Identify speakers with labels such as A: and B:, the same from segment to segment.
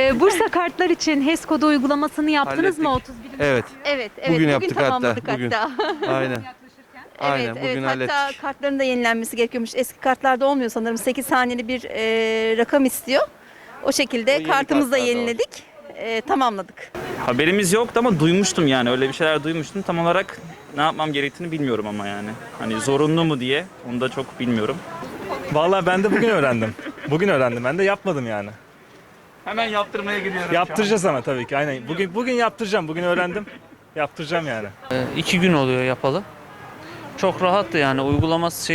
A: Bursa kartlar için HES kodu uygulamasını yaptınız mı
B: Hallettik.
A: 31.
B: Evet.
A: Evet,
B: Bugün yaptık hatta,
A: tamamladık
B: bugün.
A: hatta.
B: Aynen. Aynen,
C: Evet,
B: bugün
C: evet. Hatta
B: hallettik.
C: kartların da yenilenmesi gerekiyormuş. Eski kartlarda olmuyor sanırım. 8 haneli bir rakam istiyor. O şekilde
B: yeni
C: kartımızı da
B: kartlarda var.
C: yeniledik. Tamamladık.
D: Haberimiz yoktu ama duymuştum yani öyle bir şeyler duymuştum. Tam olarak ne yapmam gerektiğini bilmiyorum ama yani. Hani zorunlu mu diye onu da çok bilmiyorum.
E: Vallahi ben de bugün öğrendim. Bugün öğrendim. Ben de yapmadım yani.
D: Hemen yaptırmaya gidiyorum.
E: Yaptıracağız ama tabii ki. Aynen. Bugün yaptıracağım. Bugün öğrendim. Yaptıracağım yani.
F: 2 gün oluyor yapalı. Çok rahattı yani uygulaması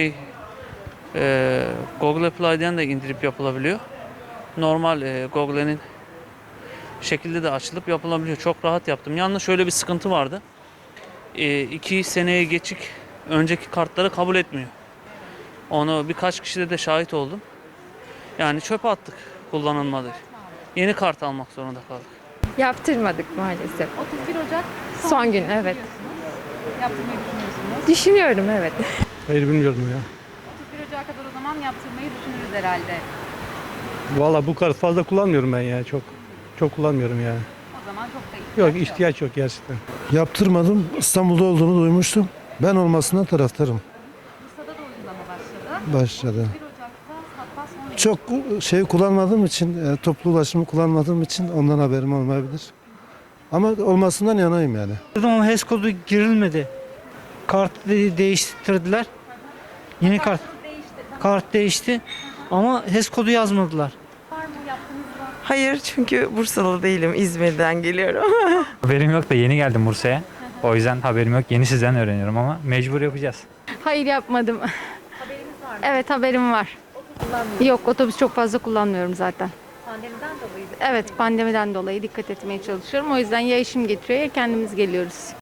F: Google Play'den de indirip yapılabiliyor. Normal Google'nin şekilde de açılıp yapılabiliyor. Çok rahat yaptım. Yalnız şöyle bir sıkıntı vardı. 2 seneye geçik önceki kartları kabul etmiyor. Onu birkaç kişide de şahit oldum. Yani çöpe attık kullanılmadı. Yeni kart almak zorunda kaldık.
G: Yaptırmadık maalesef.
A: 31 Ocak
G: Son gün evet.
A: yaptırmayı düşünüyorsunuz.
G: Düşünüyorum evet.
H: Hayır bilmiyorum ya.
A: 31 Ocak'a kadar o zaman yaptırmayı düşünürüz herhalde.
H: Valla bu kadar fazla kullanmıyorum ben ya çok. Çok kullanmıyorum yani.
A: O zaman çok da
H: Yok ihtiyaç yok gerçekten.
I: Yaptırmadım. İstanbul'da olduğunu duymuştum. Ben olmasından taraftarım.
A: Bursa'da da uygulama başladı.
I: Başladı.
A: 1 Ocak'ta hatta son
I: Çok şey kullanmadığım için, toplu ulaşımı kullanmadığım için ondan haberim olmayabilir. Ama olmasından yanayım yani.
J: Ama HES kodu girilmedi. Kart değiştirdiler. Yeni kart değişti ama HES kodu yazmadılar.
K: Hayır çünkü Bursalı değilim. İzmir'den geliyorum.
L: Haberim yok da yeni geldim Bursa'ya. O yüzden haberim yok. Yeni sizden öğreniyorum ama mecbur yapacağız.
G: Hayır yapmadım.
A: haberiniz var mı?
G: Evet haberim var. Yok otobüs çok fazla kullanmıyorum zaten.
A: Pandemiden dolayı.
G: Evet pandemiden dolayı dikkat etmeye çalışıyorum. O yüzden ya işim getiriyor ya kendimiz geliyoruz.